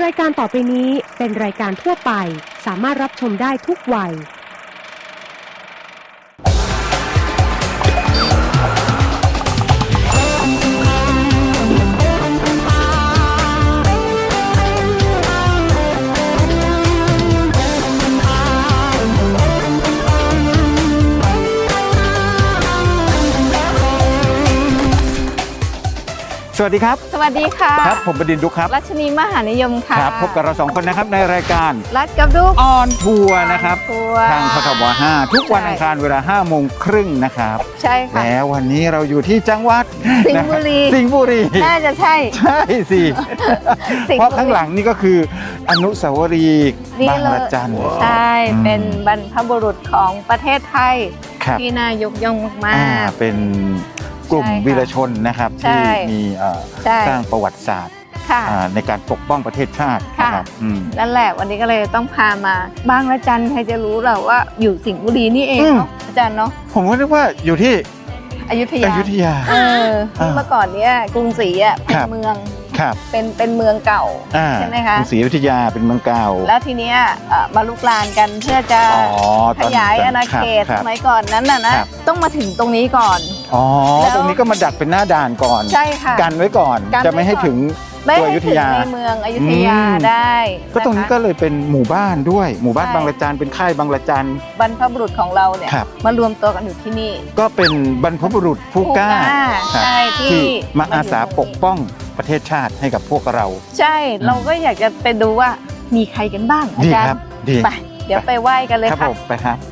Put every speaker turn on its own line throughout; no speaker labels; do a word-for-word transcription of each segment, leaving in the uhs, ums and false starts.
รายการต่อไปนี้เป็นรายการทั่วไปสามารถรับชมได้ทุกวัย
สวัสดีครับ
สวัสดีค่ะ
ครับผมบดินทร์ดุ๊กครับ
รัชนีมหานิยมค่ะ
ครับพบกับเราสองคนนะครับในรายการ
รัชกับดุ๊ก
ออนทัวร์นะครับทางททบห้าทุกวันอังคารเวลาห้าโมงครึ่งนะครับ
ใช่ค่ะ
แล้ววันนี้เราอยู่ที่จังหวัด
สิงห์บุรี
สิงห์บุรี
น่าจะใช่
ใช่สิเพราะข้างหลังนี่ก็คืออนุสาวรีย์บางระจัน
ใช่เป็นบรรพบุรุษของประเทศไทยที่น่ายกย่องมาก
ๆเป็นกลุ่มวีรชนนะครับที่มีสร้างประวัติศาสตร์ในการปกป้องประเทศชาตินะครับ
นั่นแหละวันนี้ก็เลยต้องพามาบางระจันใครจะรู้เราว่าอยู่สิงห์บุรีนี่เองเนาะอาจารย์เนาะ
ผมก็นึกว่าอยู่ที่
อยุธยา
อยุธยา
เออเมื่อก่อนเนี้ยกรุงศรีอ่ะเป็นเมืองเป็นเป็นเมืองเก่าใช่ไหมคะ
กรุงศรีอยุธยาเป็นเมืองเก่า
แล้วทีเนี้ยมาลุกลานกันเพื่อจะขยายอาณาเขตสมัยก่อนนั้นน่ะนะต้องมาถึงตรงนี้ก่อน
อ๋อตรงนี้ก็มาดักเป็นหน้าด่านก่อน
ใช่ค่ะ
กันไว้ก่อนจะไม่ให้ถึงตัวอยุธยา
ในเมืองอยุธยาได้
ก็ตรงนี้ก็เลยเป็นหมู่บ้านด้วยหมู่บ้านบางระจันเป็นค่ายบางระจัน
บรรพบุรุษของเราเนี่ยมารวมตัวกันอยู่ที่นี่
ก็เป็นบรรพบุรุษผู้กล้า
ที่
มาอาสาปกป้องประเทศชาติให้กับพวกเรา
ใช่เราก็อยากจะไปดูว่ามีใครกันบ้างอาจารย์ไปเดี๋ยวไปไหว้กันเลย
ครับผมไปครับ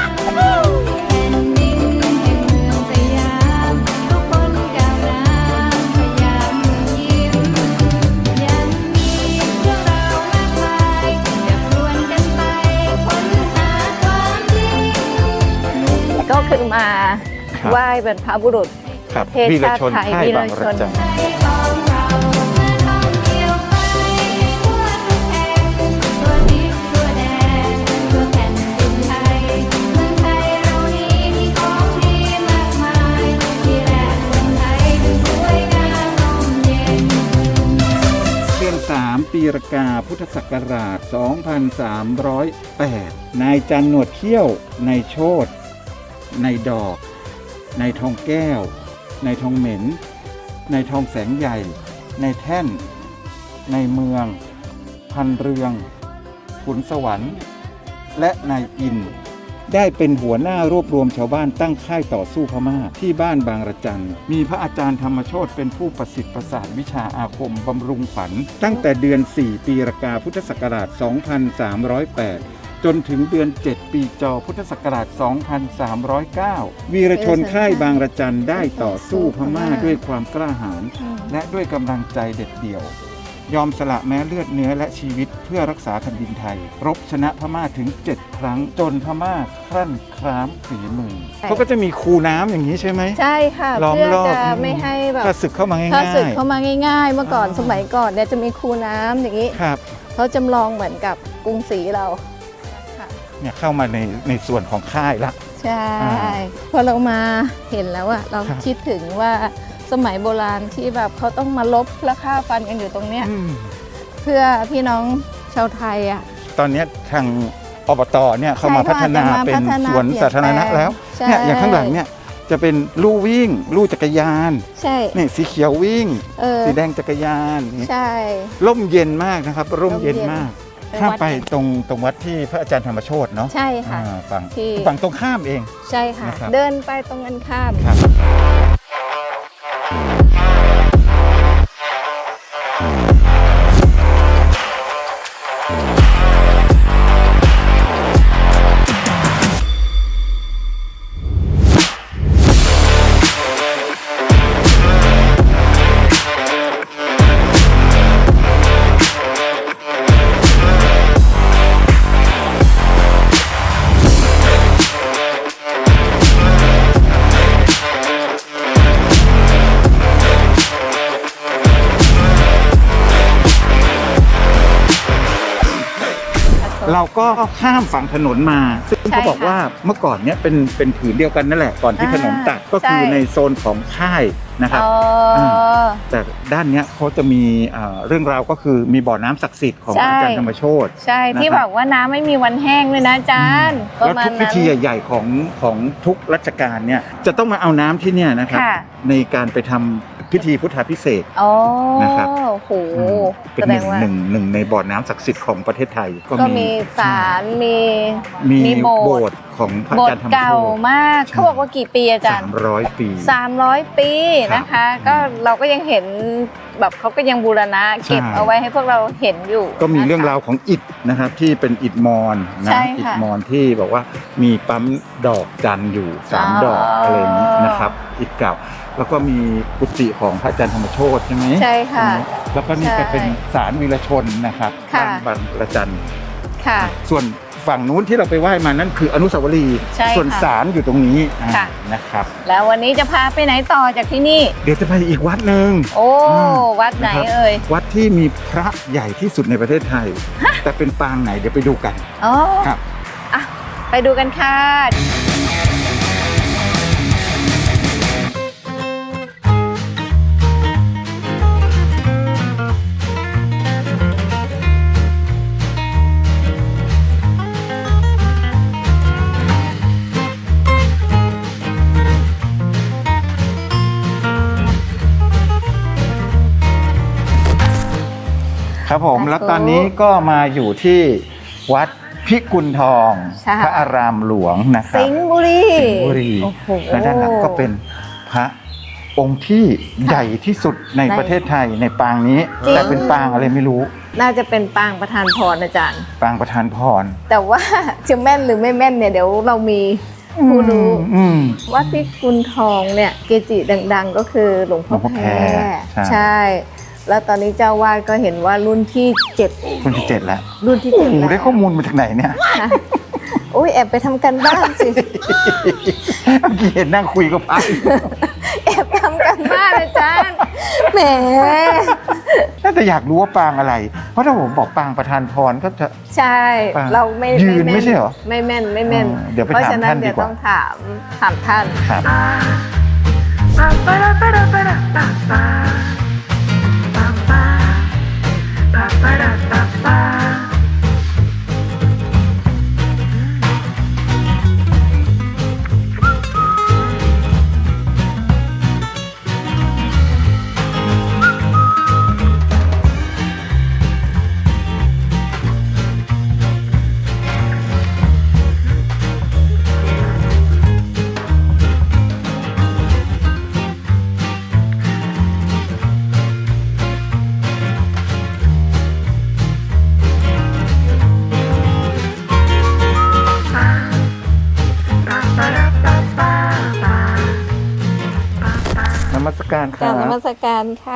ก็คือมาไหว้บรรพบุรุษประเทศชาติไทยวีรชน
เดือนสามปีรากาพุทธศักราชสองพันสามร้อยแปดนายจันหนวดเขี้ยวนายโชตินายดอกนายทองแก้วนายทองเหม็นนายทองแสงใหญ่นายแท่นนายเมืองพันเรืองขุนสวรรค์และนายอินได้เป็นหัวหน้ารวบรวมชาวบ้านตั้งค่ายต่อสู้พม่าที่บ้านบางระจันมีพระอาจารย์ธรรมโชติเป็นผู้ประสิทธิ์ประสาทวิชาอาคมบำรุงขวัญตั้งแต่เดือนสี่ปีรากาพุทธศักราชสองพันสามร้อยแปดจนถึงเดือนเจ็ดปีจอพุทธศักราชสองพันสามร้อยเก้าวีรชนค่ายบางระจันได้ต่อสู้พม่าด้วยความกล้าหาญและด้วยกำลังใจเด็ดเดี่ยวยอมสละแม้เลือดเนื้อและชีวิตเพื่อรักษาแผ่นดินไทยรบชนะพม่าถึงเจ็ดครั้งจนพม่าครั่นคร้ามฝีมือเขาก็จะมีคูน้ำอย่างนี้ใช่ไหม
ใช่ค่ะเพื่อจะไม่ให้แบบ
ถ้าศึกเข้ามาง่ายๆ
ถ้าศึกเข้ามาง่ายๆเมื่อก่อนสมัยก่อนเนี่ยจะมีคูน้ำอย่างนี้
ครับ
เขาจำลองเหมือนกับกรุงศรีเรา
เนี่ยเข้ามาในในส่วนของค่ายละ
ใช่พอเรามาเห็นแล้วอะเราคิดถึงว่าสมัยโบราณที่แบบเขาต้องมาลบและฆ่าฟันกันอยู่ตรงเนี้ยเพื่อพี่น้องชาวไทยอะ
ตอนนี้ทางอบตเนี่ยเขามาพัฒนาเป็นสวนสาธารณะแล้วเนี่ยอย่างข้างหลังเนี่ยจะเป็นลู่วิ่งลู่จักรยาน
ใช่
นี่สีเขียววิ่งสีแดงจักรยาน
ใช่
ร่มเย็นมากนะครับร่มเย็นมากข้ามไปตรงตรงวัดที่พระอาจารย์ธรรมโชติเนาะ
ใช่ค่ะ
ฝั่งฝั่งตรงข้ามเอง
ใช่ค่ะเดินไปตรงกันข้าม
เราก็ข้ามฝั่งถนนมาซึ่ง
ใช่
เขาบอก
ค่ะ
ว่าเมื่อก่อนเนี้ยเป็นเป็นผืนเดียวกันนั่นแหละก่อนที่
อ่า
ถนนตัดก็คือ
ใช่
ในโซนของค่ายนะครับ
อ๋ออ
ม แต่ด้านเนี้ยเขาจะมีเอ่อเรื่องราวก็คือมีบ่อน้ำศักดิ์สิทธิ์ของ
ใช่
อาจารย์ธรรมโชติ
ใช่ที่
นะครับ
บอกว่าน้ำไม่มีวันแห้งเลยนะอาจารย์ประ
แล้ว
มาณ
ทุกพิ
นั้น
ธีใหญ่ๆของของทุกรัชกาลเนี่ยจะต้องมาเอาน้ำที่เนี่ยนะครับ
ค่ะ
ในการไปทำพิธีพุทธาภิเษก
อ๋อ
นะครับ
โอ้โห
อืมเป็น
แส
ห
ด
นึ่
ง
ง
ว่า
หนึ่งหนึ่งในบ่อน้ำศักดิ์สิทธิ์ของประเทศไทย
ก็มีศาลมี
มี
มีโบ
โบ
ส
ส
ถ์
ถ์ของพระ
โบ
อา
ส
จาร
ถ์
ย์ธรรม
เก่า
โชติ
มาก
ใช่
เขาบอกว่ากี่ปีอาจารย์
สามร้อยปี
สามร้อยปี
ครับ
นะคะ ก็เราก็ยังเห็นแบบเขาก็ยังบูรณะเก็บ
ใช่
เอาไว้ให้พวกเราเห็นอยู่
ก็มี
นะคะ
เรื่องราวของอิฐนะครับที่เป็นอิฐมอญนะ
ใช่ค่ะ
อิฐมอญที่บอกว่ามีปั๊มดอกจันทร์อยู่สาม
อ๋อ
ดอกอะไรอย่างนี้นะครับอิฐเก่าแล้วก็มีกุฏิของพระอาจารย์ธรรมโชติใช่ไหม
ใช่ค่ะ
แล้วก็นี่
ใช่
ก็เป็นศาลวีรชนนะครับ
ค่ะ
บ้านบางระจัน
ค่ะ
ส่วนฝั่งนู้นที่เราไปไหว้มานั่นคืออนุสาวรีย์
ใช่ค่ะ
ส่วนศาลอยู่ตรงนี้อ่า
ค่ะ
นะครับ
แล้ววันนี้จะพาไปไหนต่อจากที่นี่
เดี๋ยวจะไปอีกวัดหนึ่ง
โอ้
อืม
วัดไหน
นะครับ
เอ่ย
วัดที่มีพระใหญ่ที่สุดในประเทศไทย แต่เป็นปางไหนเดี๋ยวไปดูกัน
อ๋อ
ครับ
อ่ะไปดูกันค่ะ
ครับผม
สาธุ
แล้วตอนนี้ก็มาอยู่ที่วัดพิกุลทอง
ใช่
พระอารามหลวงนะครับ
สิงห์บุรี
สิงห์บุรี
โอ้โห
และด้านหลังก็เป็นพระองค์ที่ใหญ่ที่สุดใน
ใน
ประเทศไทยในปางนี้
จริง
แต่เป็นปางอะไรไม่รู้
น่าจะเป็นปางประธานพรอาจารย์
ปางประธานพร
แต่ว่า จะแม่นหรือไม่แม่นเนี่ยเดี๋ยวเรามีผู้รู้
อืม
วัดพิกุลทองเนี่ยเกจิดังๆ ก็คือหลวงพ่อ
หลวงพ่อ
แพ
แพ
ร
รใช่
ใช่ แล้วตอนนี้เจ้าวาดก็เห็นว่ารุ่นที่เจ็ด
คนที่เจ็ดแล้ว
รุ่นที่
โอ้
เจ็ด
โห
แล้ว
ได้ข้อมูลมาจากไหนเนี่ย
ค่ะโอ้ยแอบไปทำกันบ้านสิ
เมื่อกี้เห็นนั่งคุยกับพระ
แอบทำกันบ้านอาจารย์แหม
น่าจะอยากรู้ว่าปางอะไร เพราะถ้าผมบอกปางประธานพรก็จะ
ใช่
ปาง
เราไม่
ยืน
แ
ไม่ใช่เหรอ
ไม่แม่นไม่แม่น
อ๋อเดี๋ยวไป
เพราะ
ถาม
ฉะนั้
ท่าน นดี
เดี๋ยว
กว่า
ต้องถามถามท่าน
ครับ นมัสการค
กรา
รั
บบ นมัสการค่ะ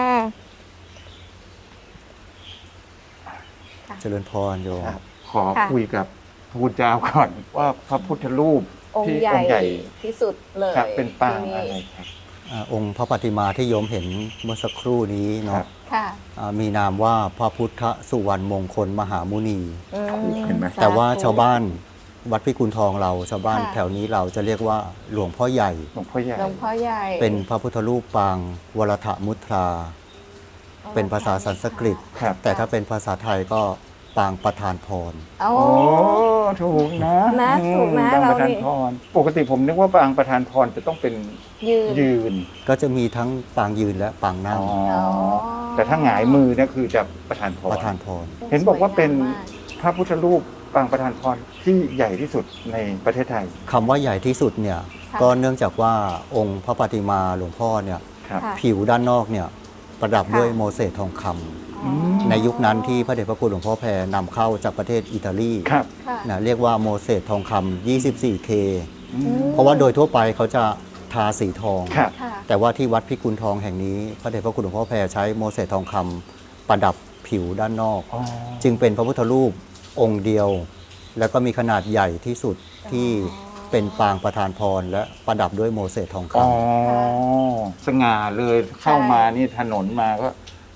เจริญพรโยม
ครับขอ
ค่ะ
คุยกับพระคุณเจ้าก่อนว่าพระพุทธรูป
อง
ที่
ค์ใหญ่
องค์ใหญ่
ที่สุดเลย
ครับเป็นปาง
ที่
อะไร
นี่
ครับ
อ่าองค์พระปฏิมาที่โยมเห็นเมื่อสักครู่นี้
ครั
เนาะ
บ
ค่ะ
อ่ามีนามว่าพระพุทธสุวรรณมงคลมหามุนี
อืม
เห็นไหม
แต่ว่า
สธุ
ชาวบ้านวัดพิกุลทองเราชาวบ้าน
ค่ะ
แถวนี้เราจะเรียกว่าหลวงพ่อใหญ่
หลวงพ่อใหญ่
หลวงพ่อใหญ่
เป็นพระพุทธรูปปางวรถมุตรา เป็นภาษาสันสกฤต
ครับ
แต่ถ้าเป็นภาษาไทยก็ปางประธานพร
โอ้
โอ้ถูกนะ
นะถูกนะ
ปาง
เรา
ประธาน
นี่
พรปกติผมนึกว่าปางประธานพรจะต้องเป็น
ยืน
ยืน
ก็จะมีทั้งปางยืนและปางนั่ง
อ๋อ
อ๋อ
แต่ถ้าหงายมือเนี่ยคือจะประธานพร
ประธานพร
เห็นบอกว่าเป็น
สยงมก
พระพุทธรูปปางประธานพรที่ใหญ่ที่สุดในประเทศไทย
คำว่าใหญ่ที่สุดเนี่ย
ค่ะ
ก็เนื่องจากว่าองค์พระปฏิมาหลวงพ่อเนี่ย
ครับ
ค่ะ
ผิวด้านนอกเนี่ยประดับ
ค่ะ
ด้วยโมเสสทองคำ
อ๋อ
ในยุคนั้นที่พระเดชพระคุณหลวงพ่อแพรนำเข้าจากประเทศอิตาลี
ครับ
ค่ะ
นะเรียกว่าโมเสสทองคำ ยี่สิบสี่เค
อืม
เพราะว่าโดยทั่วไปเขาจะทาสีทอง
ครับ
ค่ะ
แต่ว่าที่วัดพิกุลทองแห่งนี้ พระเดชพระคุณหลวงพ่อแพรใช้โมเสสทองคำประดับผิวด้านนอก
อ๋อ
จึงเป็นพระพุทธรูปองค์เดียว แล้วก็มีขนาดใหญ่ที่สุดที่เป็นปางประธานพรและประดับด้วยโมเสสทองคำ
อ๋อสง่าเลยเข้ามานี่ถนนมาก็ถ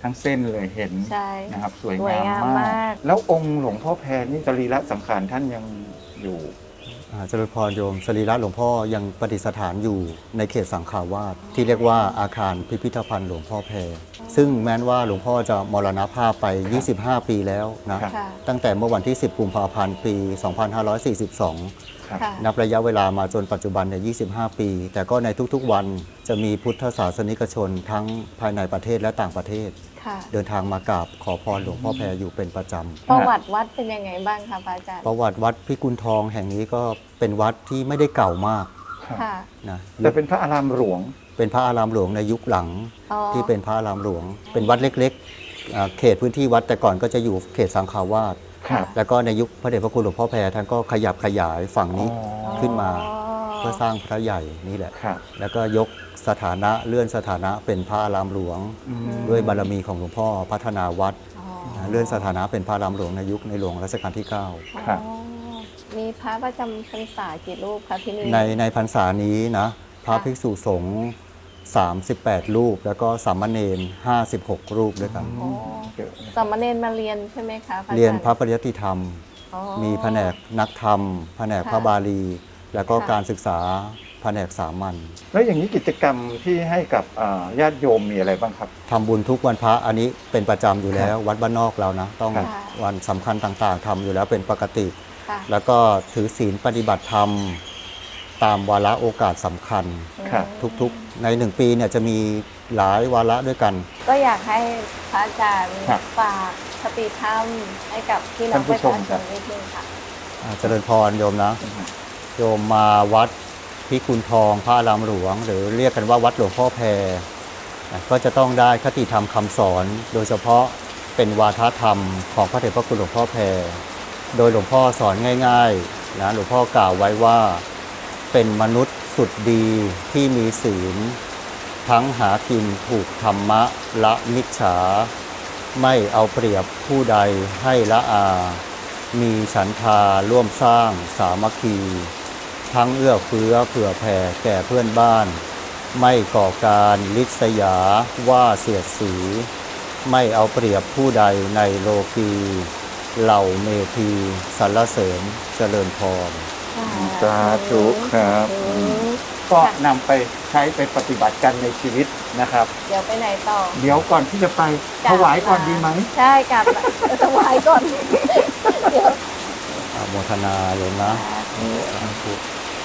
ทั้งเส้นเลยเห็น
ใช่
นะครับสวย
สวย
งาม
งาม
มาม
าก ก
แล้วองค์หลวงพ่อแพรนี่สรีระสังขารท่านยังอยู่
อ่าเจริญพรโยมสรีระหลวงพ่อยังประดิษฐานอยู่ในเขตสังขาวาสที่เรียกว่าอาคารพิพิธภัณฑ์หลวงพ่อแพรซึ่งแม้นว่าหลวงพ่อจะมรณภาพไป ยี่สิบห้า ปีแล้วนะครับ
ค่ะ
ตั้งแต่เมื่อวันที่ สิบ กุมภาพันธ์ ปี สองพันห้าร้อยสี่สิบสอง
ครับ
ค่ะ
นับระยะเวลามาจนปัจจุบันเนี่ย ยี่สิบห้า ปี แต่ก็ในทุกๆวันจะมีพุทธศาสนิกชนทั้งภายในประเทศและต่างประเทศ
ค่ะ
เดินทางมากราบขอพรหลวงพ่อแพรอยู่เป็นประจำ
ประวัติวัดเป็นยังไงบ้างคะพระอาจารย์
ประวัติวัดพิกุลทองแห่งนี้ก็เป็นวัดที่ไม่ได้เก่ามาก
ครับ
ค่ะ
นะ
แต่เป็นพระอารามหลวง
เป็นพระอารามหลวงในยุคหลัง
อ๋อ
ที่เป็นพระอารามหลวง เป็นวัดเล็กๆอ่าเขตพื้นที่วัดแต่ก่อนก็จะอยู่เขตสังขาวาส
ครับ
แล้วก็ในยุคพระเดชพระคุณหลวงพ่อแพรท่านก็ขยับขยายฝั่งนี้
อ๋อ
ขึ้นมาเพื่อสร้างพระใหญ่นี่แหละ
ครับ
แล้วก็ยกสถานะเลื่อนสถานะเป็นพระอารามหลวง
อืม
ด้วยบารมีของหลวงพ่อพัฒนาวัด
อ๋อ
นะเลื่อนสถานะเป็นพระอารามหลวงในยุคในหลวงรัชกาลที่ เก้า
ครับ
อ๋อมีพระประจำพรรษากี่รูปคะที่นี่
ในในพรรษานี้นะพระ
ค่ะ
ภิกษุสงฆ์สามสิบแปดรูป แล้วก็สามเณรห้าสิบหกรูปด้วยกัน
อ๋อ
เดี๋ยวนะ
สามเณรมาเรียนใช่ไหมคะพระอาจารย์
เรียนพระปริยัติธรรม
อ๋อ
มีแผนกนักธรรม แผนก
ค่ะ
พระบาลี แล้วก็
ค่ะ
การศึกษาแผนกสามัญ
แล้วอย่างนี้กิจกรรมที่ให้กับอ่าญาติโยมมีอะไรบ้างครับ
ทำบุญทุกวันพระอันนี้เป็นประจำอยู่แล้ว วัดบ้านนอกเรานะ ต้อง
ค่ะ
วันสำคัญต่างๆทำอยู่แล้วเป็นปกติ
ค่ะ
แล้วก็ถือศีลปฏิบัติธรรม ตามวาระโอกาสสำคัญ
ครับ
ทุกๆ ในหนึ่งปีเนี่ยจะมีหลายวาระด้วยกัน
ก็อยากให้พระอาจารย์
ครับ
ฝากคติธรรมให้กับพี่น้อง
ท่านผู้
ประ
ชม
ชาช
ครั
น
บ
นิดนึงค่ะ
อ่าเจริญพรโยมนะ โยมมาวัดพิกุลทองพระอารามหลวง หรือเรียกกันว่าวัดหลวงพ่อแพรนะก็จะต้องได้คติธรรมคำสอน โดยเฉพาะเป็นวาทธรรมของพระเดชพระคุณหลวงพ่อแพรโดยหลวงพ่อสอนง่ายๆนะหลวงพ่อกล่าวไว้ว่าเป็นมนุษย์สุดดีที่มีศีล ทั้งหากินถูกธรรมะละมิจฉา ไม่เอาเปรียบผู้ใดให้ละอา มีฉันทาร่วมสร้างสามัคคี ทั้งเอื้อเฟื้อเผื่อแผ่แก่เพื่อนบ้าน ไม่ก่อการลิษยาว่าเสียดสี ไม่เอาเปรียบผู้ใดในโลกีเหล่าเมธีสรรเสริญเจริญพร
สาธุครับ
อืม
ก็นำไปใช้ไปปฏิบัติกันในชีวิตนะครับ
เดี๋ยวไปไหนต่อ
เดี๋ยวก่อนที่จะไปถวายก่อนดีไหม
ใช่กลับถวายก่อน เดี๋ยว
อนุโมทนาโยมนะสาธุ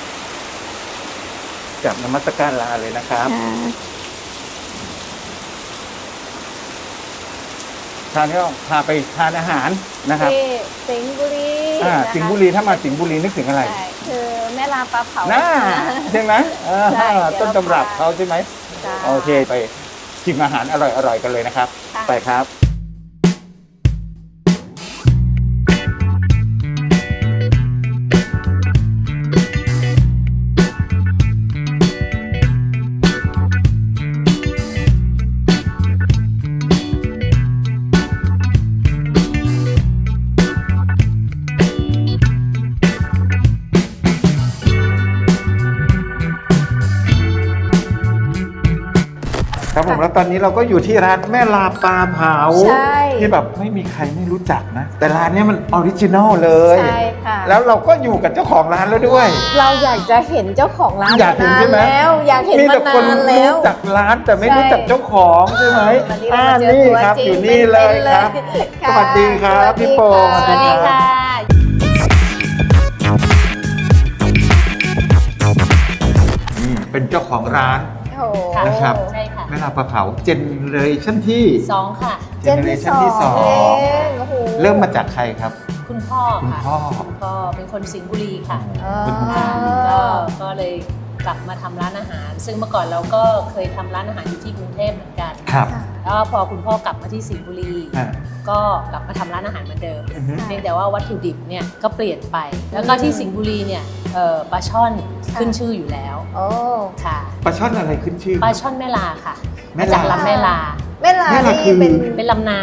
จากนมัสการลาเลยนะครับ ทานก็พาไปทานอาหารนะครับ
ที่สิงห์บุรี
อ่า
นะคะ
สิงห์บุรีถ้ามาสิงห์บุรีนึกถึงอะไร
ใช่คือแม่ลาปลาเผา
น่าใช่ไหมอ่า
ใช่เดี๋ยว
ต้นตำรับ
เรา
เขาใช่ไหม
จ้า
โอเคไปชิมอาหารอร่อยๆกันเลยนะครับ
ค่ะ
ไปครับ ครับผมแล้วตอนนี้เราก็อยู่ที่ร้านแม่ลาปลาเผา
ใช่
ที่แบบไม่มีใครไม่รู้จักนะ แต่ร้านเนี้ยมันออริจินอลเลย
ใช่ค่ะ
แล้วเราก็อยู่กับเจ้าของร้านแล้วด้วย
เราอยากจะเห็นเจ้าของร้าน
อยากเห็น
นาน
ใช่ไหม
แล้ว อยากเห็น
มี
มา
แต่คน
นานแล้ว
รู้จักร้านแต่ไม่
ใช่
รู้จักเจ้าของใช่ไหม
วันนี้เรา
อ่า
มาเจอ
นี่
ตัว
ครับ
จริง
อยู่นี่เลย
เป็นๆ
ครับ
ค่ะ
สวัสดีครับพี่โป่ง
สวัสดีค่ะ
นี่เป็นเจ้าของร้าน
โอ้โห
นะครับ
ใช่ค่ะ
แม่ลาปลาเผาเจเนเรชั่นที่
สองค่ะ
เจเนเรชั่นที่สอง
เองโอ้โห
เริ่มมาจากใครครับ
คุณพ่อ
คุณ
ค่ะ
พ่อ
คุณพ่อเป็นคนสิงห์บุรีค่ะ
อ๋อ
เป็นคนสิงห์บุรี
ก็ก็เลยกลับมาทำร้านอาหาร ซึ่งเมื่อก่อนเราก็เคยทำร้านอาหารอยู่ที่กรุงเทพเหมือนกัน
ครับ
แล้วพอคุณพ่อกลับมาที่สิงห์บุรี
อ่า
ก็กลับมาทำร้านอาหารเหมือนเดิม
อือฮึ
เพียงแต่ว่าวัตถุดิบเนี่ยก็เปลี่ยนไป แล้วก็ที่สิงห์บุรีเนี่ยเอ่อปลาช่อนขึ้นชื่ออยู่แล้ว
โอ้
ค่ะ
ปลาช่อนอะไรขึ้นชื่อ
ปลาช่อนแม่ลาค่ะ
แม่
มา
ลา
จากลำแม่ลา
แม่ลา
แม่ลา
นี่
คือ
เป็น
เป็นลำน้ำ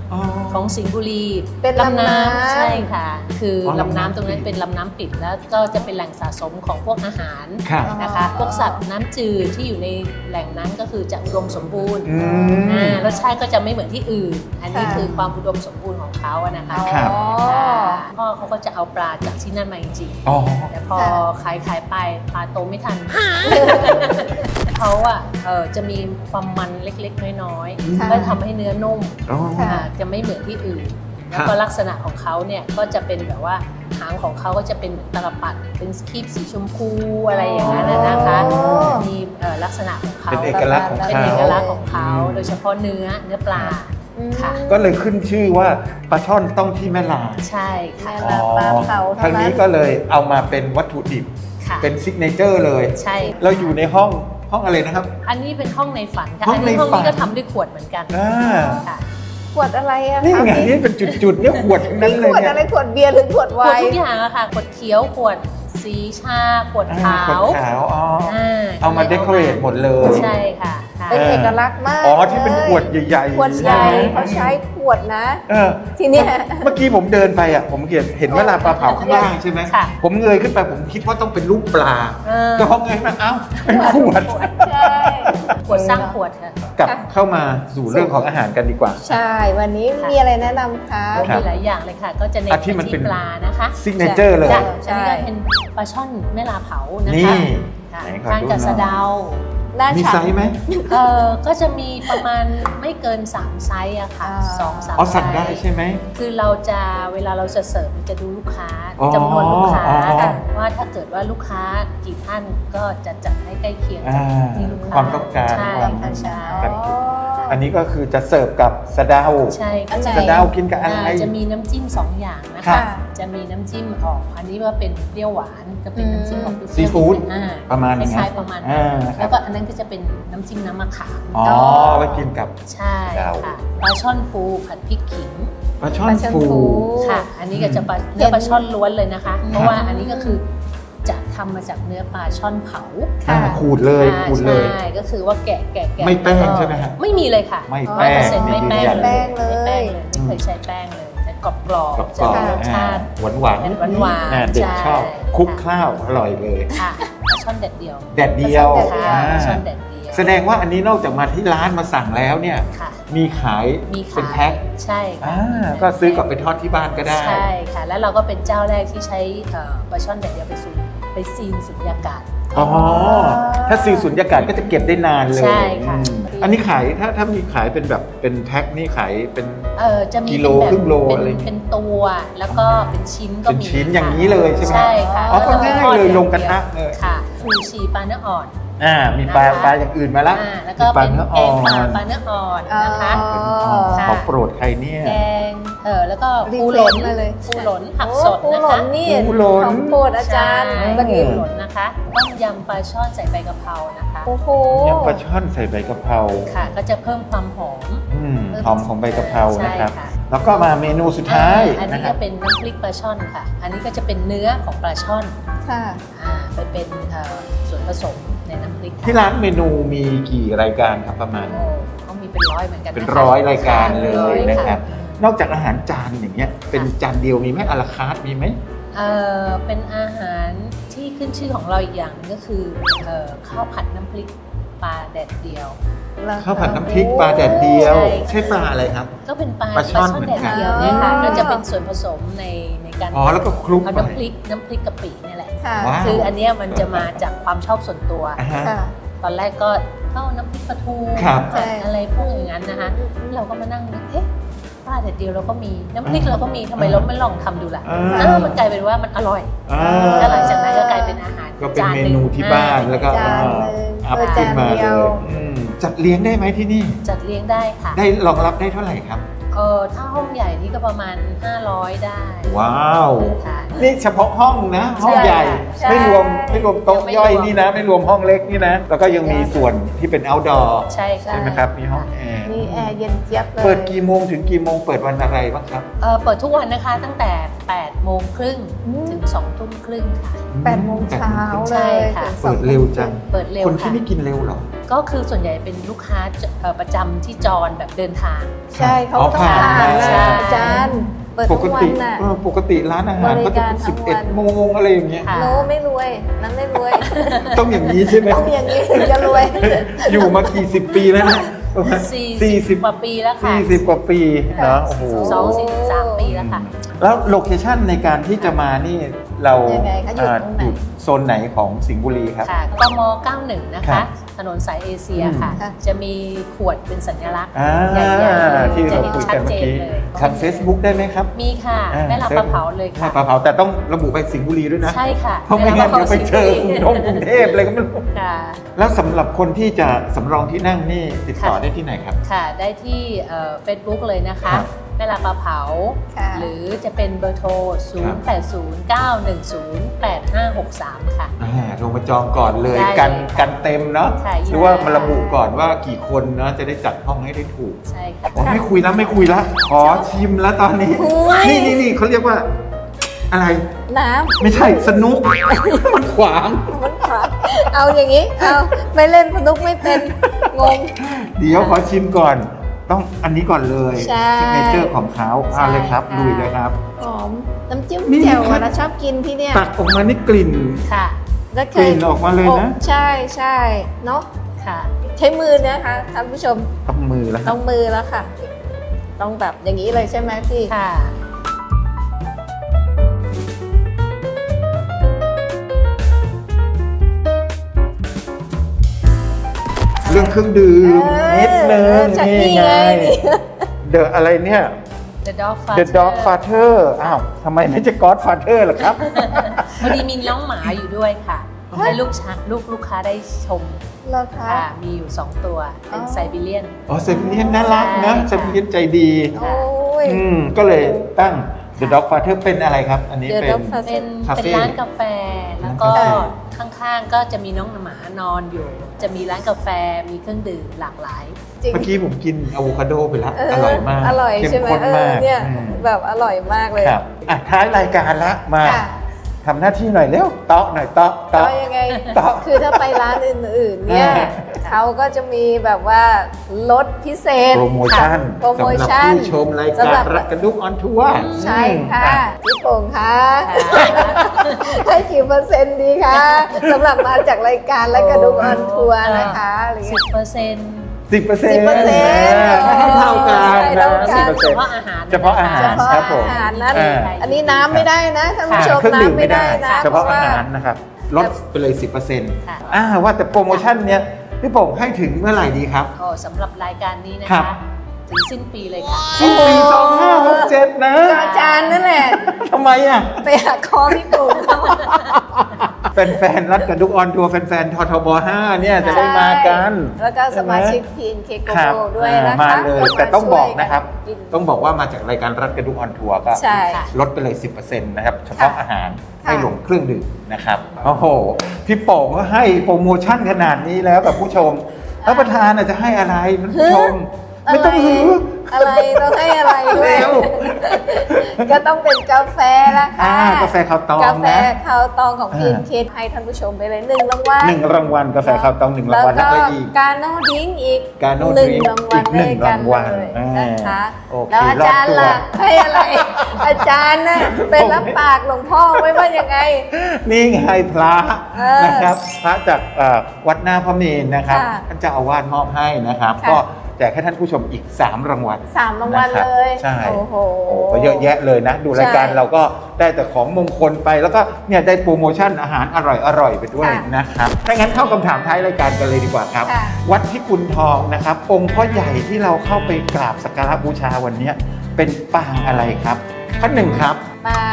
อ๋อ
ของสิงห์บุรี
เป็นลำน้ำ
ใช่ค่ะ คืออ
อ
ลำ
ลำน้ำ
น้ำตรงนั้นเป็นลำน้ำปิดแล้วก็จะเป็นแหล่งสะสมของพวกอาหาร
ครับ
นะคะ พวกสัตว์น้ำจืดที่อยู่ในแหล่งนั้นก็คือจะอุดมสมบูรณ์
อืม
อ่ารสชาติก็จะไม่เหมือนที่อื่น อันนี้
ค่ะ
คือความอุดมสมบูรณ์ของเขาอะนะคะ
ครับ
อ๋อ
ค่ะพ่อเขาก็จะเอาปลาจากที่นั่นมาจริง
อ๋อ
ๆแต่พอ
ค่ะ
ขายขายไปปลาโตไม่ทัน เขาอะเออจะมีความมันเล็กๆ น้อย
ค่ะ
ๆก็ทำให้เนื้อนุ่ม
อ๋อ
ค่ะ
อ่าจะไม่เหมือนที่อื่น
ครับ
แล้วก็ลักษณะของเขาเนี่ยก็จะเป็นแบบว่าหางของเขาก็จะเป็นเหมือนตลปัดเป็นสคีบสีชมพูอะไรอย่างนั้นน่ะนะคะ
อ๋อ
มีเอ่อลักษณะของเขา
เป็นเอกลักษณ์ของ
เป็น
เขา
เอกลักษณ์ของเขา
อืม
โดยเฉพาะเนื้อเนื้อปลา
อืม
ค่ะ
ก็เลยขึ้นชื่อว่าปลาช่อนต้องที่แม่ลา
ใช่ค่ะ
แม่ลา ปลาเผาเท่านั้น
ทางนี้ก็เลยเอามาเป็นวัตถุดิบ
ค่ะ
เป็นซิกเนเจอร์เลย
ใช่
เราอยู่ในห้องห้องอะไรนะครับ
อันนี้เป็นห้องในฝันค่ะ
ห้อ
อั
ง
นนี้
ใน
ห้อง
ฝัน
นี้ก็ทำด้วยขวดเหมือนกัน
อ่า
ค่ะ
ขวดอะไรอะ
นี่
คะ
ไงนี่เป็นจุดๆเนี่ยขวดทั้งนั้นเลย
ขวด
เนี่ย
อะไรขวดเบียร์หรือขวด
ข
ไว
วด
น์
ทุกอย่างอะค่ะขวดเขียวขวดสีชาขวด
อ่า
ขาว
ขวดขาวอ๋ออา เอามา
ที่
เดคอเรทหมดเลย
ใช่ค่ะค่ะ
เป็นเอกลักษณ์มาก
อ๋อที่เป็นขวดใหญ่ๆ
ขวดใหญ่
ช่ไม
เขาใช้ขวดนะ
เออ
ทีเนี้ย
เมื่อกี้ผมเดินไปอ่ะผมเห็นเห็นเวลาปลาเผาข้างล่างใช่ไหม
ค่ะ
ผมเงยขึ้นไปผมคิดว่าต้องเป็นรูปปลา
เออ
แต่พอเงยมาเอ้าเป็นขวด
ใช่
ขวดสร้างขวดค่ะ
กลับเข้ามาสู่เรื่องของอาหารกันดีกว่า
ใช่ วันนี้
ค่ะ
มีอะไรแนะนำคะ
ครับ
มีหลายอย่างเลยค่ะ ก็จะเน้น
อ่ะ
ไป
ที่มันเป็
ที่
น
ปลานะคะ
ซิกเนเจอร์เลย
จ้ะ
ใช่
อันนี้ก็เป็นปลาช่อนแม่ลาเผานะ
นี่
คะค่ะ
ไหนขอ
ทาน
ดู
กับ
หน่อย
สะเดา
หน้า
มี
ฉ่ำ
ไซส์ไหม
เออก็จะมีประมาณไม่เกินสามไซส์อะค่ะ
อ่า
สองสาม
อ๋อสั่งได้
ซส์
ใช่ไหม
คือเราจะเวลาเราจะเสิร์ฟจะดูลูกค้า
อ๋อ
จำนวนลูกค้า
อ๋อ
ค่ะว่าถ้าเกิดว่าลูกค้ากี่ท่านก็จะจัดให้ใกล้เคียง
อ่า
กับที่ลูกค้า
ความต้องการ
ใช่
ความ
ค่ะใช่
กันอันนี้ก็คือจะเสิร์ฟกับสะเดา
ใช่ค่ะ
อันไหน
สะเดากินกับอะไร
อ่าจะมีน้ำจิ้มสองอย่างนะ
ครั
คะ
บ
จะมีน้ำจิ้มออก อันนี้ว่าเป็นเปรี้ยวหวานจะเป็นน้ำจิ้มของ
ซีฟู้ด
อ่า
ประมาณ
ค
นั้น
ล้ายๆประมาณ
อ่า
นั้น
ครับ
แล้วก็อันนั้นก็จะเป็นน้ำจิ้มน้ำมะขาม
อ๋อไว้กินกับ
ใช่
ดาว
ค่ะปลาช่อนฟูผัดพริกขิง
ปลาช่อน
ปลาช่อน
ฟู
ฟู
ค่ะ อันนี้ก็จะปลา
เห็น
เนื้อปลาช่อนล้วนเลยนะคะ
อืม
เพราะว่าอันนี้ก็คือจะทำมาจากเนื้อปลาช่อนเผา
ค่ะ
อ่าขูดเลย
อ่า
ขูดเลย
ใช่ก็คือว่าแกะแกะแกะ
ไม่แป้ง
ล้วก็
ใช่ไหมฮะ
ไม่มีเลยค่ะ
ไม่แป้ง
ร้อยเปอร์เซ็นต์ไม่แป้ง
ยืนยัน
เลย
ไม่
ไม่
แป้
แป้
ง
ง
เล
เลย ยไม่เคยใช้แป้งเลยแต่กรอบกรอบ
กับ
จะ
กรอบ
มีรสชาติ
หวานหวานๆ
เป็นหวานๆ
อ่เด็ก
ใช่
ชอบคลุกข้าวอร่อยเลย
ค่ะปลาช่อนแดดเดียว
แดดเดียว
ปลาช่อนแดดเดียว
ค่ะ
อ่า
ปลาช่อนแดดเดียว
แสดงว่าอันนี้นอกจากมาที่ร้านมาสั่งแล้วเนี่ย
ค่ะ
มีขาย
มี
เป็น
ขาย
แพ็ค
ใช่ค่ะ
อ่าก็ซื้อกลับไปทอดที่บ้านก็ได้
ใช่ค่ะ แล้วเราก็เป็นเจ้าแรกที่ใช้เอ่อปลาช่อนแดดเดียวไปสูไปซีนสุญญากาศ
อ๋อ ถ้าซีสุญญากาศก็จะเก็บได้นานเลย
ใช่ค่ะ
อืมอันนี้ขายถ้าถ้ามีขายเป็นแบบเป็นแพ็คนี่ขายเป็น
เออจะมี
กิโล
เป็นแบบ
ครึ่งโล
เป็น
อะไร
เป็นตัวแล้วก็เป็นชิ้นก็
เป็น
มี
ชิ้น
ค่ะ
อย่างนี้เลยใช่ไหม
ใช่ค่ะ
อ๋อก็
แว
ง่าย
ทอด
เลย
อาง
ลงกระทะ
ดีว
เลย
ค่ะชูชีปลาเนื้ออ่อน
อ่า มีปลา
นะคะ
ปลาอย่างอื่นมาละ
อ่าแล้วก็
มีปลา
เป็น
เนื้อ
แก
อ่อง
ปลาน ปลาเนื้ออ่อนนะคะ
อ๋อ
ค่ะ
ของโปรดใครเนี่ย
แกงเออแล้วก็
รี
ปู
เฟ
ห
ร
ล่
ช
น
มาเลย
ปูหล่นผัก
โอ้
สด
ปู
นะ
หล่
คะ
นนี่
ปูหล่น
ของโปรดอาจารย์
ใช่
เมื่อกี้
ปูหล่นนะคะต้มยำปลาช่อนใส่ใบกะเพรานะคะ
โอ้โห
ยำปลาช่อนใส่ใบกะเพรา
ค่ะ ก็จะเพิ่มความหอม
อืมหอมของใบกะเพรา
ใช่
นะครับ
ค่ะ
แล้วก็มาเมนูสุดท้าย
อ่าอัน
นะ
นี้
ครั
ก็
บ
เป็นน้ำพริกปลาช่อนค่ะ อันนี้ก็จะเป็นเนื้อของปลาช่อน
ค่ะ
อ่าไปเป็นเอ่อส่วนผสมในน้ำพริกค่ะ
ที่ร้านเมนูมีกี่รายการครับประมาณ
โอ้เขามีเป็นร้อยเหมือนกัน
เป็น
นะคะ
ร้อยรายการเลย
ร้อย
นะครับ นอกจากอาหารจานอย่างเงี้ย เป็นจานเดียวมีไหมอะลาคาร์ทมีไหม
เอ่อเป็นอาหารที่ขึ้นชื่อของเราอีกอย่างหนึงก็คือเอ่อข้าวผัดน้ำพริกปลาแดดเดียว
ข้าวผัดน้ำพริกปลาแดดเดียว
ใช่
ใช่ปลาอะไรครับ
ก็เป็นปลา
ปลาช่อน
แดดเดียว
เหมือนกัน
เนี่ยค่ะ
อ๋อ
ก็จะเป็นส่วนผสมในในการ
อ๋อแล้วก็คลุก
เอา
ไป
น้ำพริกน้ำพริกกะปิเนี่ยแหละ
ค่ะ
ว้าว
คืออันเนี้ยมันจะมาจากความชอบส่วนตัว
อ่าฮะ
ค่ะ
ตอนแรกก็เข้าน้ำพริกปลาทู
ครับ
ผัดอะไรพวกอย่างนั้นนะคะเราก็มานั่งนึกเอ๊ะปลาแดดเดียวเราก็มีน้ำพริกเราก็มีทำไมเราไม่ลองทำดูล่ะ
อ่า
เออมันกลายเป็นว่ามันอร่อย
อ่า
แล้วหลังจากนั้นก็กลายเป็นอาหาร
ก็เป็น
จา
เม
หง
นูที่บ้านแล้วก็
จานหนึ่ง
อัพ
เออ
ขึ้นมา
จานเดี
เลย
วย
อืมจัดเลี้ยงได้ไหมที่นี่
จัดเลี้ยงได้ค่ะ
ได้รองรับได้เท่าไหร่ครับ
เออถ้าห้องใหญ่นี่ก็ประมาณห้าร้อยได้
ว้าว
ค่ะ
นี่เฉพาะห้องนะ ห้องใหญ่
ใช่
ไม่รวมไม่รวมโต๊ะ
ไม่รวม
ย่อยนี่นะ ไม่รวมห้องเล็กนี่นะ แล้วก็ยังมีส่วนที่เป็น outdoor
ใช่ค่ะ
ใช่ไหมครับ มีห้องแอร์
นี่แอร์เย็นเจี๊ยบเลย
เปิดกี่โมงถึงกี่โมงเปิดวันอะไรบ้างครับ
เออเปิดทุกวันนะคะตั้งแต่แปดโมงครึ่ง
อืม
ถึงสองทุ่มครึ่งค่ะ
แปดโมงเช้า
ใช่
เลย
ค่ะ
ถึงส
เปิ
อง
ดเร็วจัง
เปิดเร็ว
คนที่
ค่ะ
นี่กินเร็วเหรอ
ก็คือส่วนใหญ่เป็นลูกค้าเอ่อประจำที่จรแบบเดินทาง
ใช่เขา
อ๋อ
ต้อง
ผ่าน
ทาน
มา
นะอาจารย์เปิด
ป
ทุ
ก
กวั
ติ
นน่ะ
เออปกติร้านอาหาร
บริ
ก็จะ
การ
เป็น
ทั้
สิบ
ง
เอ็
วั
ด
น
โมงอะไรอย่างเงี้ย
ค่ะ
โน้ไม่รวยนั้นไม่รวย
ต้องอย่างนี้ใช่ไหม
ต้องอย่างนี้ถึงจะรวย
อยู่มากี่สิบปีแล้วนะประมาณ
สี่สิบกว่าปีแล้วค่ะ
สี่สิบกว่าปีเนาะโอ้โห
สองสี่สิบสามปีแล้วค่ะ
แล้วโลเคชั่นในการที่จะมานี่เรา
ยังไงคะอยู่
อ่า
ตรงไหน
อยู่โซนไหนของสิงห์บุรีครับ
ค่ะกม เก้าสิบเอ็ด นะ
ครั
คะ
บ
ถนนสายเอเชีย
อืม
ค่ะ
ค่ะ
จะมีขวดเป็นสัญลักษณ์
อ่า
ใหญ่ๆเลย
ที่
จะ
เรา
เห็น
คุย
ชั
กั
ด
นเมื่
เจ
อน กี้
เลย
ทาง Facebook ได้ไหมครับ
มีค่ะ
อ่า
แม่ลาปลาเผาเลย
แม่
ค่ะ
ปลาเผาแต่ต้องระบุไปสิงห์บุรีด้วยนะ
ใช่ค่ะ
เพราะไม่งั้นเดี๋ยวไปเจอ
แม่
ก
ลา
รุ
ปลาง เผาก
รุงเทพอะไรก็ไม่รู้
ค่ะ
แล้วสำหรับคนที่จะสำรองที่นั่งนี่ติดต่อ
ค่ะ
ได้ที่ไหนครับ
ค่ะ ได้ที่เฟซบุ๊กเลยนะคะ
ครับ
แม่ลาปลาเผา
ค่ะ
หรือจะเป็นเบอร์โทร ศูนย์ แปด ศูนย์ เก้า หนึ่ง ศูนย์ แปด ห้า หก สาม ค่ะ
อ่าโทรมาจองก่อนเลย
ได้เลย
กัน
ค่ะ
กันเต็มเนาะ
ใช่
หรือว่ามาระบุก่อนว่ากี่คนเนาะจะได้จัดห้องให้ได้ถูก
ใช่ค่ะ
โอ้ไม่คุยแล้วไม่คุยแล้วขอชิมแล้วตอนนี้
คุย
นี่นี่นี่เขาเรียกว่า อะไร
น้
ไม่ใช่สนุก มันขวาง
ำมันขาดเอาอย่างนี้ เอาไม่เล่นสนุกไม่เป็น งง
เดี๋ยวขอชิมก่อน ต้องอันนี้ก่อนเลย
ใช่
ซิกเนเจอร์ของเขาเอาเลยครับ
ใช่ค่ะ
ลุยเลยครับ
หอม น้ำจิ้ม
นี่
แจ่ว
ครั
อะ
บ
เราชอบกินที่เนี่ย
ตักออกมานี่กลิ่น
ค่ะ
แล้วเค
กลิ่
ย
นออกมาเลยนะ
โอ้ใช่ใช่เนาะ
ค่ะ
ใช้มือนะคะท่านผู้ชม
ต้องมือแล้วค
ต้
รั
อบ งมือแล้วค่ะ ต้องแบบอย่างนี้เลยใช่ไหมพี่
ค่ะ
เรื่องเครื่องดื่ม
เออ
นิดนึง
จาก
นี่
นี่
ไง
ไงนี่
เดอะอะไรเนี่ย
The Dog
The
Father
Dog Father อ้าวทำไมไม่ใช่ God Father ล่ะครับ
พอดีมีน้องหมาอยู่ด้วยค่ะ ให้ลูกช้าลูกลูกค้าได้ชม
เหรอคะ
ค่ะ มีอยู่ สอง ตัว เป็น
อ๋อ
ไซบีเรียน
อ๋อเซมิเลียนน่ารักนะ
ใช่
เซมิเลียนใจดี
โอ้ย
อืมก็เลยตั้ง The Dog Father เป็นอะไรครับ อันนี้
The
เป็น
Dog Father
เป็น
คาเฟ่
เป็นร้านกาแฟ แล้วก็
ร้านกาแฟ
ข้างๆ ก็จะมีน้องหมานอนอยู่ จะมีร้านกาแฟ มีเครื่องดื่มหลากหลาย
จริง
เมื่อกี้ผมกินอะโวคาโดไปแล้ว
เ
อร่อยมาก
อร่อย
เข้ม
ใช่ไหม
ข้น
เอ
มา
อก เนี่ย
อืม
แบบอร่อยมากเลย
ครับอ่ะท้ายรายการละมา
ค่ะ
ทำหน้าที่หน่อยเร็วเตาะหน่อยเตาะ
ก็
เตาะ
ยังไง
ต่อ
คือถ้าไปร้านอื่นๆ เนี่ย
อ่า
เขาก็จะมีแบบว่าลดพิเศษ
โปรโมชั่น
โปรโมชั่น
สำหรับผู้ชมราย
สำห
กา
รั
ร
บ
รักกระดุกออนทัวร์
ใช่ค่ะ
อ่
พี่โป่งคะ
ค่ะ
ให้กี่เปอร์เซ็นต์ดีคะสำหรับมาจากรายการและกระดุกออนทัวร์นะคะอะไร
สิ
เงี้
บ
ย
เปอร์เซ็นต์
สิบเปอร์เซ็น
สิ
ต์
บเปอร์เซ็นต์
ให้เท่ากัน
ใช่
นะ
เท่ากัน
สิบเปอร์เซ็น
เฉ
ต์
พาะอาหาร
เฉพาะอาหาร
เฉพาะ
ครับผม
อาหารนั้น
อ่า
อันนี้น้ำไม่ได้นะท่านผู้ชม
เครื่องดื่ม
น้ำ
ไม่
ไม่
ได้
ได้นะ
เฉพาะ
พ
อา
ว่
หารนะครับลดไปเลย สิบเปอร์เซ็นต์
ค่ะ
อ่าว่าแต่โปรโมชั่นเนี้ยพี่โป่งให้ถึงเมื่อไหร่ดีครับ
ก็สำหรับรายการนี้นะ
ครั
คะ
บ
ถึงสิ้นปีเลยค่ะ
สิ้นปีสองห้าหกเจ็ดนะ
อาจารย์นั่นแหละ
ทำไมอ่ะ
ไปหาคอพี่โป่งเขา
แฟนๆรัดกระดุกออนทัวร์แฟนๆททบห้าเนี่ยจะได้มากัน
แล้วก็สมาชิก
ใช่ไห
พี เอ็น เค โก
ครับ
โบด้วยนะคะ
มาเลยแต่ต้องบอกนะครับ
กิน
ต้องบอกว่ามาจากรายการรัดกระดุกออนทัวร์ก็
ใช่
ลดไปเลย สิบเปอร์เซ็นต์ นะครับ เฉพาะ
ค่ะ
อาหาร
ค่ะ
ไม่รวมเครื่องดื่มนะครับ โอ้โห พี่โป่งก็ให้โปรโมชั่นขนาดนี้แล้วกับผู้ชมแล้วประธานอาจจะให้อะไรมันผู้ชม ไม่ต้องหือ
อะไรต้องให้อะไรด้วย
เร็ว
ก็ต้องเป็นกาแฟละค่ะ
อ่ากาแฟข้าวตอง
กาแฟ
นะ
ข้าวตองของ
อ่า
พี เอ็น เค ให้ท่านผู้ชมไปเลยหนึ่งรางวัล
หนึ่งรางวัลกาแฟข้าวตองหนึ่งรางวัล
แล้
แล้ว
ว
ก็
ก็
อีก
การโนดริงอีก
Gano
หนึ่ง
Drink
รางวัล
อีกหนึ่ง
ด้วยกัน
รางวัล
เลย
อ่าน
นะคะ
โอเค
แล้วอาจารย์ล่ะ
รอบตัว
ให้อะไร อาจารย์น่ะเป็นรับปากหลวงพ่อไว้ว่ายังไง
นี่ไงพระ
เออ
นะครับ พระจากเอ่อวัดหน้าพระเมรุนะครับ
ค่ะ
ท่านเจ้าอาวาสมอบให้นะครับ
ค่ะ
ก็แจกให้ท่านผู้ชมอีก สาม รางวัล
สามรางวัล
นะครับ
เลย
ใช่
โอ้โห
โอ้ก็เยอะแยะเลยนะ ดูรายการ
ใช่
เราก็ได้แต่ของมงคลไปแล้วก็เนี่ยได้โปรโมชั่นอาหารอร่อยอร่อยๆไปด้วย
ค่ะ
นะครับถ้างั้นเข้าคำถามท้ายรายการกันเลยดีกว่าครับ
ค่ะ
วัดพิกุลทองนะครับ องค์พ่อใหญ่ที่เราเข้าไปกราบสักการะบูชาวันเนี้ยเป็นปางอะไรครับข้อหนึ่งครับ
บาง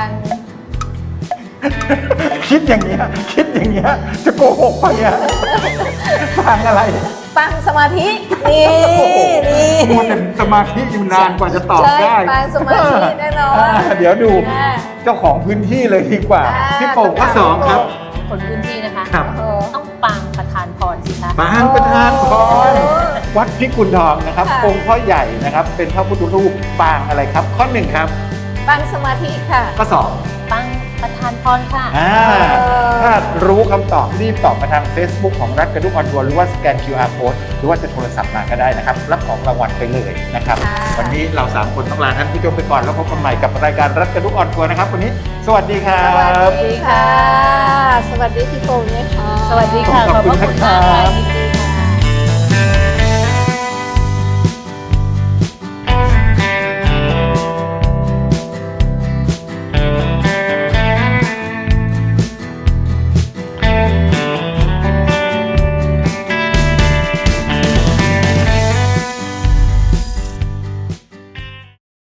คิดอย่างเงี้ยคิดอย่างเงี้ยจะโกหกไปอ่ะปางอะไร
ปังสมาธิ นี่ นี่
มัวแต่สมาธิอยู่นานกว่าจะตอบ
ใช่
ได้
ปังสมาธิแน่นอน
อ่าเดี๋ยวดู
อ่า
เจ้าของพื้นที่เลยดีกว่า
อ่า
พี่โป่งข้อสองครับ
คนพื้นที่นะคะ
ครับ
โอ้โห
ต้องปังประธานพรสิคะ
ปางประธานพร
โอ้
วัดพิกุลทองนะครับ
ค่ะ
องค์พ่อใหญ่นะครับ เป็นพระพุทธรูปปางอะไรครับ ข้อหนึ่งครับ
ปังสมาธิค่ะ
ข้อสอง
ปังประธานพรค่ะ
อ่าถ้ารู้คำตอบรีบตอบมาทาง Facebook ของรัฐกระดุกออนทัวร์หรือว่าสแกน คิว อาร์ Code หรือว่าจะโทรศัพท์มาก็ได้นะครับ รับของรางวัลไปเลยนะครับ
ค่ะ
วันนี้เราสามคนต้องลาท่านผู้ชมไปก่อนแล้วพบกันใหม่กับรายการรัฐกระดุกออนทัวร์นะครับวันนี้สวัสดีครั
สวัส
บ
ดีค่ะ สวัสดีพี่โป่งด้วยค่ะ
สวัสดีค่ะ
ขอบคุณ
ขอบพระคุณมาก
ครั
ค่ะ
บ
ยิน